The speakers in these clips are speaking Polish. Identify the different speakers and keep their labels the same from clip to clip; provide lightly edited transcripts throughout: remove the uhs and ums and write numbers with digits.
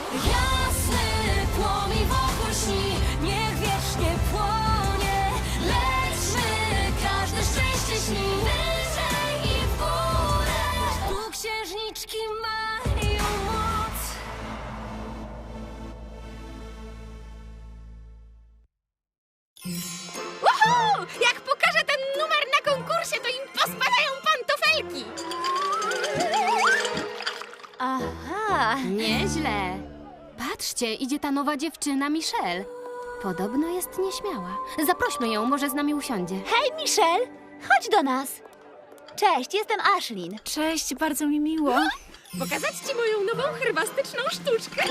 Speaker 1: Jasny płomień wokół śni, niech wiecznie płonie. Lećmy, każde szczęście śni, wyżej i w górę. Tu księżniczki mają moc.
Speaker 2: Woohoo! Jak pokażę ten numer na konkursie, to im pospadają pantofelki!
Speaker 3: Aha.
Speaker 4: Nieźle. Patrzcie, idzie ta nowa dziewczyna Michelle. Podobno jest nieśmiała. Zaprośmy ją, może z nami usiądzie.
Speaker 3: Hej, Michelle, chodź do nas. Cześć, jestem Ashlyn.
Speaker 5: Cześć, bardzo mi miło.
Speaker 2: Pokazać ci moją nową herbastyczną sztuczkę.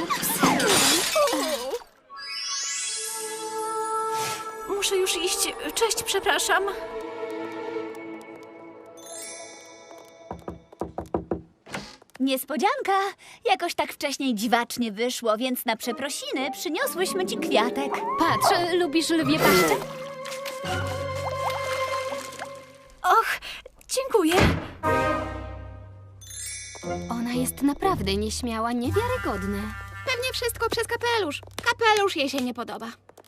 Speaker 5: Muszę już iść. Cześć, przepraszam.
Speaker 3: Niespodzianka! Jakoś tak wcześniej dziwacznie wyszło, więc na przeprosiny przyniosłyśmy ci kwiatek.
Speaker 4: Patrz, lubisz lwie paszczę?
Speaker 5: Och, dziękuję.
Speaker 4: Ona jest naprawdę nieśmiała, niewiarygodne.
Speaker 2: Pewnie wszystko przez kapelusz. Kapelusz jej się nie podoba.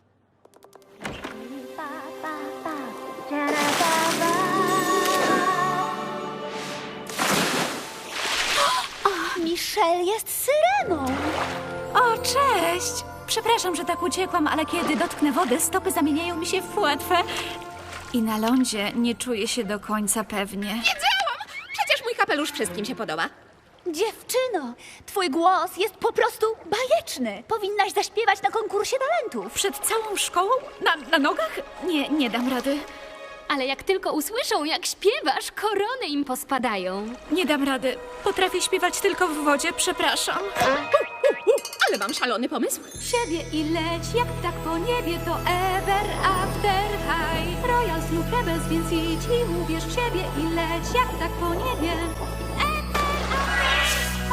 Speaker 3: Michelle jest syreną.
Speaker 5: O, cześć. Przepraszam, że tak uciekłam, ale kiedy dotknę wody, stopy zamieniają mi się w płetwę. I na lądzie nie czuję się do końca pewnie.
Speaker 2: Wiedziałam! Przecież mój kapelusz wszystkim się podoba.
Speaker 3: Dziewczyno, twój głos jest po prostu bajeczny. Powinnaś zaśpiewać na konkursie talentów.
Speaker 5: Przed całą szkołą? Na nogach? Nie dam rady.
Speaker 4: Ale jak tylko usłyszą, jak śpiewasz, korony im pospadają.
Speaker 5: Nie dam rady. Potrafię śpiewać tylko w wodzie, przepraszam.
Speaker 2: Ale mam szalony pomysł.
Speaker 5: Siebie i leć, jak tak po niebie, to ever after high. Royals lub Rebels, więc idź i uwierz w siebie i leć, jak tak po niebie. Ever after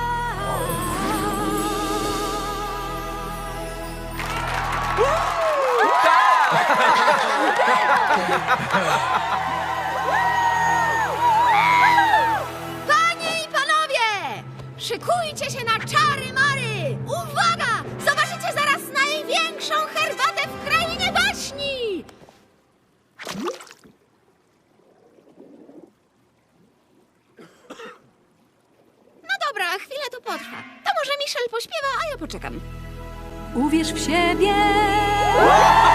Speaker 2: Panie i panowie! Szykujcie się na czary mary! Uwaga! Zobaczycie zaraz największą herbatę w krainie baśni! No dobra, chwilę to potrwa. To może Michelle pośpiewa, a ja poczekam.
Speaker 5: Uwierz w siebie.